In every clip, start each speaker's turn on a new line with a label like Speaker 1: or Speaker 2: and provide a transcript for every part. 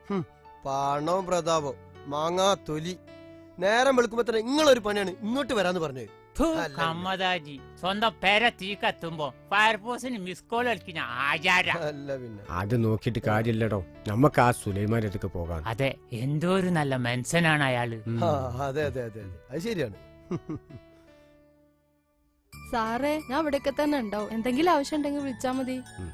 Speaker 1: പണവും പ്രതാപവും മാങ്ങാ തൊലി. നേരം വെളുക്കുമ്പോ തന്നെ നിങ്ങളൊരു പണിയാണ് ഇങ്ങോട്ട് വരാന്ന് പറഞ്ഞത്.
Speaker 2: കമ്മദാജി സ്വന്തം പേര തീ കത്തുമ്പോ ഫയർഫോഴ്സിന് മിസ് കോൾ കളിക്കുന്ന ആചാര.
Speaker 1: അല്ല പിന്നെ
Speaker 3: അത് നോക്കിട്ട് കാര്യമില്ലടോ, നമുക്ക് ആ സുലൈമാന്റെ അടുത്തേക്ക് പോകാം.
Speaker 2: അതെ, എന്തോ ഒരു നല്ല മനുഷ്യനാണ് അയാള്.
Speaker 1: അതെ അതെ അതെ അത് ശരിയാണ്.
Speaker 4: സാറേ, ഞാൻ ഇവിടെയൊക്കെ തന്നെ ഉണ്ടാവും. എന്തെങ്കിലും ആവശ്യം ഉണ്ടെങ്കിൽ വിളിച്ചാ മതി.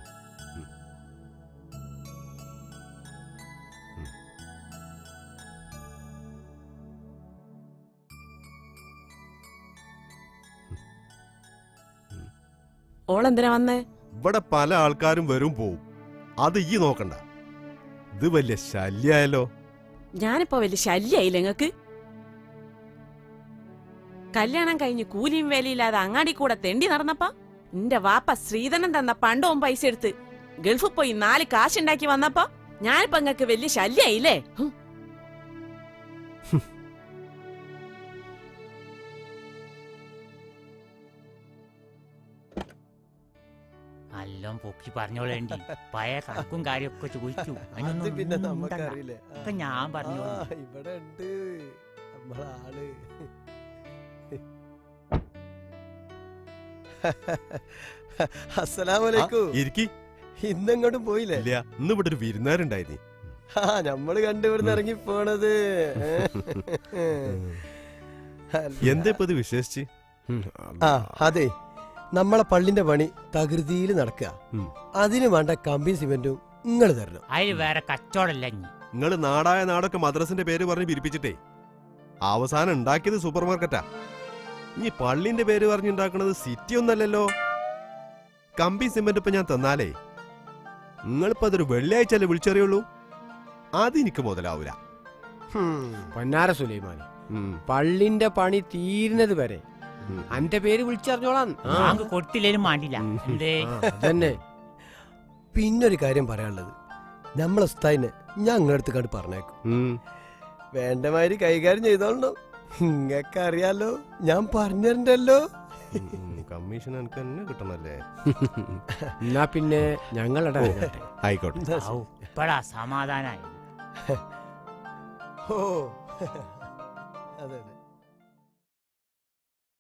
Speaker 5: ഓളെന്തിനാ വന്നേ?
Speaker 6: ഇവിടെ പല ആൾക്കാരും വരും പോവും, അത് ഈ നോക്കണ്ട. ഇത് വലിയ ശല്യായല്ലോ.
Speaker 5: ഞാനിപ്പോ വലിയ ശല്യായില്ല നിങ്ങക്ക്? കല്യാണം കഴിഞ്ഞ് കൂലിയും വേലയില്ലാതെ അങ്ങാടി കൂടെ തെണ്ടി നടന്നപ്പോ നിന്റെ വാപ്പ ശ്രീധരൻ തന്ന പണ്ടവും പൈസ എടുത്ത് ഗൾഫിൽ പോയി 4 കാശുണ്ടാക്കി വന്നപ്പോ ഞാനിപ്പോ നിങ്ങക്ക് വലിയ ശല്യായില്ലേ?
Speaker 2: എല്ലാം പൊക്കി പറഞ്ഞോളേണ്ടി പഴയ കണക്കും കാര്യമൊക്കെ ചോദിച്ചു.
Speaker 1: അത് പിന്നെ നമുക്കറിയില്ലേ.
Speaker 2: ഒക്കെ ഞാൻ പറഞ്ഞു.
Speaker 1: ഇവിടെ ഉണ്ട് നമ്മളാള്. അസ്സലാമലൈക്കും. ഇന്നെങ്ങോട്ടും പോയില്ലേ?
Speaker 6: ഇല്ല, ഇന്ന് ഇവിടെ ഒരു വിരുന്നുകാരുണ്ടായിരുന്നു.
Speaker 1: നമ്മള് കണ്ടുവിടുന്ന് ഇറങ്ങി പോണത്.
Speaker 6: എന്താ ഇപ്പൊ ഇത് വിശേഷിച്ച്?
Speaker 1: അതെ, നമ്മളെ പള്ളിന്റെ പണി തകൃതിയിൽ നടക്കുക. അതിന് വേണ്ട കമ്പിയും സിമെന്റും നിങ്ങൾ തരണം.
Speaker 2: അതിന് വേറെ കച്ചവടമല്ല.
Speaker 6: നിങ്ങള് നാടായ നാടൊക്കെ മദ്രസിന്റെ പേര് പറഞ്ഞ് പിരിപ്പിച്ചിട്ടേ അവസാനം ഉണ്ടാക്കിയത് സൂപ്പർ മാർക്കറ്റാ. ഇനി പള്ളിന്റെ പേര് പറഞ്ഞുണ്ടാക്കണത് സിറ്റി ഒന്നല്ലല്ലോ. കമ്പി സിമെന്റ് ഇപ്പൊ ഞാൻ തന്നാലേ നിങ്ങളിപ്പോ അതൊരു വെള്ളിയാഴ്ചല്ലേ വിളിച്ചറിയുള്ളൂ. അതെനിക്ക് മുതലാവൂല.
Speaker 3: പൊന്നാര സുലൈമാനി, പള്ളിന്റെ പണി തീരുന്നത് വരെ അന്റെ പേര് വിളിച്ചറിഞ്ഞോളാം.
Speaker 2: കൊടുത്തില്ലേലും മാണ്ടില്ല.
Speaker 3: തന്നെ
Speaker 1: പിന്നൊരു കാര്യം പറയാനുള്ളത്, നമ്മളെ ഉസ്താദിനെ ഞാൻ നിങ്ങളടുത്ത് കണ്ട് പറഞ്ഞേക്കും. വേണ്ടമാതിരി കൈകാര്യം ചെയ്തോളണം. ഇങ്ങക്ക് അറിയാലോ, ഞാൻ പറഞ്ഞല്ലോ.
Speaker 6: കമ്മീഷൻ എനിക്ക് തന്നെ കിട്ടണല്ലേ.
Speaker 3: എന്നാ പിന്നെ ഞങ്ങളുടെ
Speaker 6: ആയിക്കോട്ടെ.
Speaker 2: ഇപ്പഴാ സമാധാനായി.
Speaker 1: ഓ അതെ അതെ.